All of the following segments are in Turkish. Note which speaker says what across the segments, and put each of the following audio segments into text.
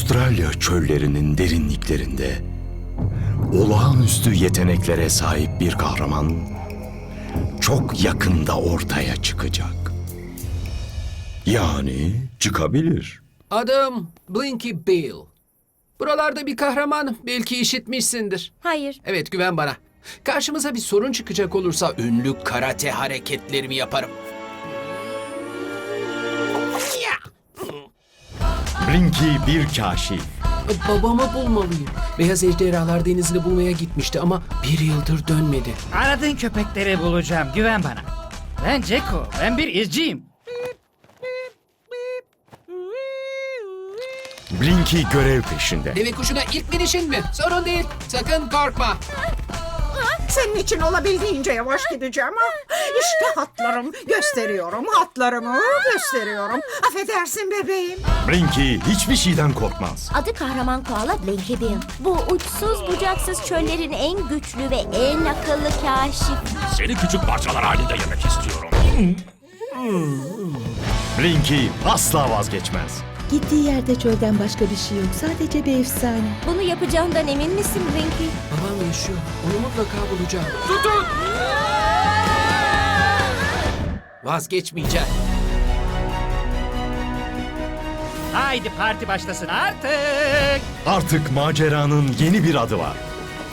Speaker 1: Avustralya çöllerinin derinliklerinde olağanüstü yeteneklere sahip bir kahraman çok yakında ortaya çıkacak. Yani çıkabilir.
Speaker 2: Adım Blinky Bill. Buralarda bir kahraman, belki işitmişsindir.
Speaker 3: Hayır.
Speaker 2: Evet, güven bana. Karşımıza bir sorun çıkacak olursa ünlü karate hareketlerimi yaparım.
Speaker 1: Blinky bir kaşif.
Speaker 2: Babamı bulmalıyım. Beyaz Ejderhalar Denizi'ni bulmaya gitmişti ama bir yıldır dönmedi.
Speaker 4: Aradığın köpekleri bulacağım, güven bana. Ben Ceko, ben bir izciyim.
Speaker 1: Blinky görev peşinde.
Speaker 2: Deve kuşuna ilk binişin mi? Sorun değil. Sakın korkma.
Speaker 5: Senin için olabildiğince yavaş gideceğim. İşte hatlarım. Gösteriyorum hatlarımı. Gösteriyorum. Affedersin bebeğim.
Speaker 1: Blinky hiçbir şeyden korkmaz.
Speaker 3: Adı kahraman koala Blinky Bill. Bu uçsuz bucaksız çöllerin en güçlü ve en akıllı kaşif.
Speaker 6: Seni küçük parçalar halinde yemek istiyorum.
Speaker 1: Blinky asla vazgeçmez.
Speaker 7: Gittiği yerde çölden başka bir şey yok. Sadece bir efsane.
Speaker 3: Bunu yapacağından emin misin Blinky?
Speaker 2: Babam yaşıyor. Onu mutlaka bulacağım. Tutun! Vazgeçmeyeceğim.
Speaker 4: Haydi parti başlasın artık.
Speaker 1: Artık maceranın yeni bir adı var.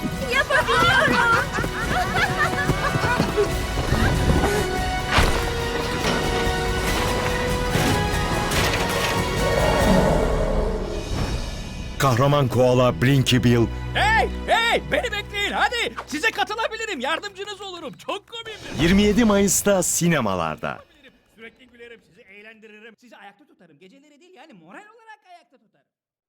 Speaker 1: Kahraman koala Blinky Bill
Speaker 6: Hey! Beni bekleyin hadi. Size katılabilirim. Yardımcınız olurum. Çok komikdir.
Speaker 1: 27 Mayıs'ta sinemalarda.
Speaker 6: Sürekli gülerim. Sizi eğlendiririm. Sizi ayakta tutarım. Geceleri değil yani moral olarak ayakta tutarım.